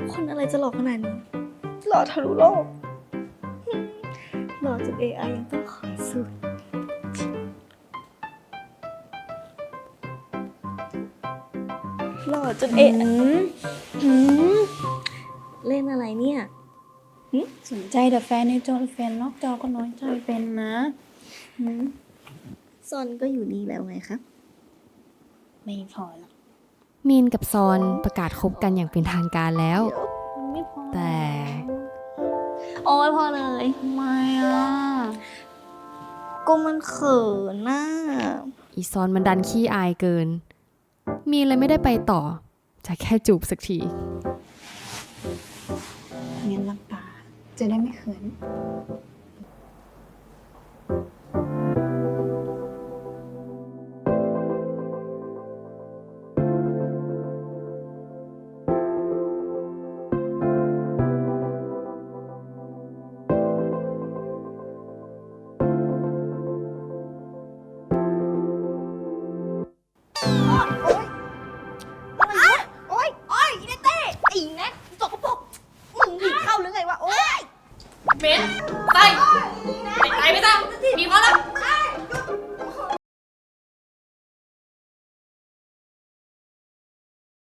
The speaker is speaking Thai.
คนอะไรจะหล่อขนาดนี้หล่อทะลุโลกหล่อจน AI ยังต้องขอสูตรหล่อจน AI เล่นอะไรเนี่ยสนใจแต่แฟนในจอแฟนนอกจอก็น้อยใจเป็นนะหืมซอนก็อยู่นี่แล้วไงครับไม่พอหรอกมีนกับซอนประกาศคบกันอย่างเป็นทางการแล้วไม่พอแต่โอ้ยพอเลยทำไมอ่ะก็มันเขินน่ะอีซอนมันดันขี้อายเกิน มีนเลยไม่ได้ไปต่อ จะแค่จูบสักทีงั้นหลับตาจะได้ไม่เขินโอ๊ยอีเนเต้ไอ้แน็กสกปรกมึงผีเข้าหรือไงวะ โอ๊ยเบนไป